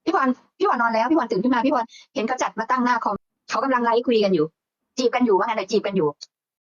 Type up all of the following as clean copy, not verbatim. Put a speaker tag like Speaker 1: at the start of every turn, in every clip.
Speaker 1: พี่พรพี่พรนอนแล้วพี่พรตื่นขึ้นมาพี่พรเห็นเขาจัดมาตั้งหน้าคอมเขากำลังไลฟ์คุยกันอยู่จีบกันอยู่ว่างั้นเลยจีบกันอยู่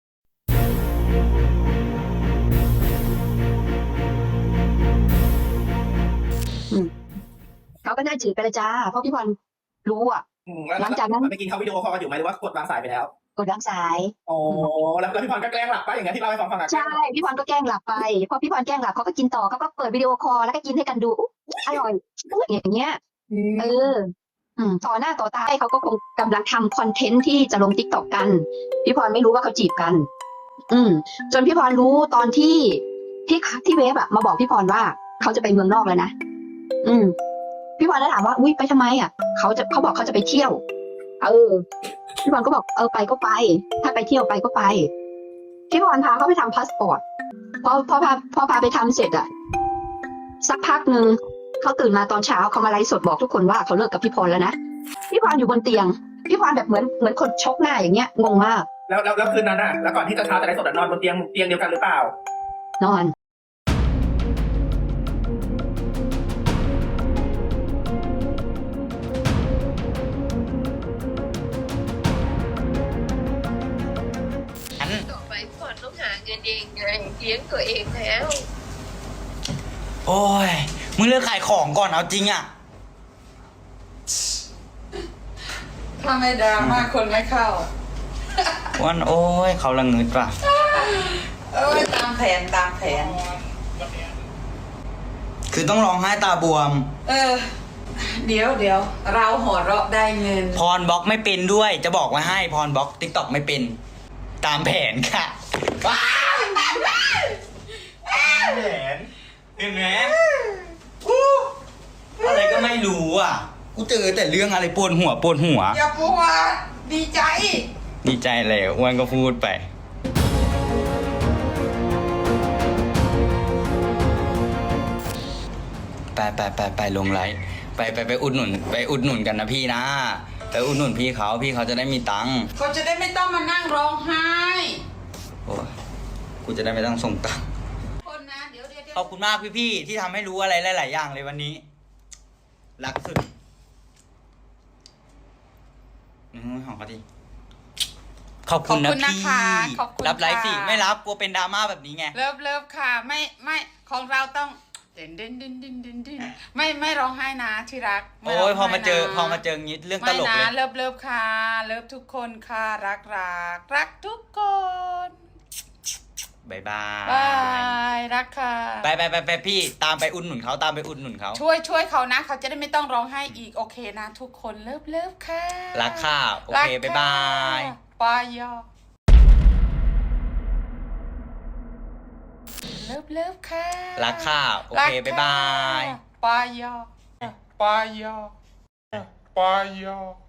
Speaker 1: เขาก็น่าจีบไปเลยจ้าเพราะพี่พรรู้อ่ะหลังจากนั้น
Speaker 2: ไปกินเขาวิดีโอคอลกันอยู่ไหมหรือว่ากดวางสายไปแล้ว
Speaker 1: กดวางสาย
Speaker 2: โอ้แล้วพี่พรก็แกล้งหลับไปอย่างเงี้ยที่เล่าให้ฟัง
Speaker 1: ใช่พี่พรก็แกล้งหลับไปพอพี่พรแกล้งหลับเขาก็กินต่อเขาก็เปิดวิดีโอคอลแล้วก็กินให้กันดูอร่อยอย่างเงี้ยต่อหน้าต่อตาเขาก็คงกำลังทำคอนเทนต์ที่จะลง TikTok กันพี่พรไม่รู้ว่าเขาจีบกันจนพี่พรรู้ตอนที่เวฟอะมาบอกพี่พรว่าเขาจะไปเมืองนอกแล้วนะพี่พรแล้วถามว่าอุ้ยไปทำไมอะเขาบอกเขาจะไปเที่ยวพี่พรก็บอกไปก็ไปถ้าไปเที่ยวไปก็ไปพี่พรพาเขาไปทำพาสปอร์ตพอพาไปทำเสร็จอะสักพักหนึ่งเขาตื่นมาตอนเช้าเขามาไลฟ์สดบอกทุกคนว่าเขาเลิกกับพี่พรแล้วนะพี่พรอยู่บนเตียงพี่พรแบบเหมือนคนชกหน้าอย่างเงี้ยงงมาก
Speaker 2: แล้วคืนนั้นอะแล้วก่อนที่จะเช้าจะไลฟ์สดนอนบนเตียงเดียวกันหรือเปล่าน
Speaker 1: อน
Speaker 3: ต่อไปก่อนต้องหาเงินเองไงเลี้ยงตัวเองแล้ว
Speaker 4: โอ้ยมึงเลิกขายของก่อนเอาจริงอ่ะ
Speaker 5: ถ้าไม่ดราม่าคนไม่เข้า
Speaker 4: วันโอ้ยเขาละเงิดว่ะ
Speaker 5: ตามแผน
Speaker 4: คือต้องร้องไห้ตาบวม
Speaker 5: เดี๋ยวเราหัวเราะได้เงิน
Speaker 4: พรบล็อกไม่เป็นด้วยจะบอกไว้ให้พรบล็อก TikTok ไม่เป็นตามแผนค่ะว้าวแผนเห็นไหมอะไรก็ไม่รู้อ่ะกูเจอแต่เรื่องอะไรปวดหัว
Speaker 5: อย่าปวดดีใจ
Speaker 4: เลยอ้วนก็พูดไปไปลงไลฟ์ไปอุดหนุนกันนะพี่นะไปอุดหนุนพี่เขาจะได้มีตังค์
Speaker 5: เขาจะได้ไม่ต้องมานั่งร้องไห้
Speaker 4: โอ้กูจะได้ไม่ต้องส่งตังค์
Speaker 5: คนนะเดี๋ยว
Speaker 4: ขอบคุณมากพี่ที่ทำให้รู้อะไรหลายๆอย่างเลยวันนี้รักสุดหอมพอดีขอบคุณนะพี่รับไลฟ์สิไม่รับกลัวเป็นดราม่าแบบนี้ไง
Speaker 5: เลิฟค่ะไม่ของเราต้องเด่นไม่ร้องไห้นะที่รัก
Speaker 4: โอ้ยพอมาเจองี้เรื่องตลกเลย
Speaker 5: เลิฟค่ะเลิฟทุกคนค่ะรักทุกคน
Speaker 4: บาย
Speaker 5: รักค่ะ
Speaker 4: ไปพี่ตามไปอุดหนุนเขา
Speaker 5: ช่วยเขานะเขาจะได้ไม่ต้องร้องไห้อีกโอเคนะทุกคนเลิฟค่ะ
Speaker 4: รักค่ะโอเคบาย
Speaker 5: ปายอเลิฟค่ะ
Speaker 4: รักค่ะโอเคบาย
Speaker 5: ปายอ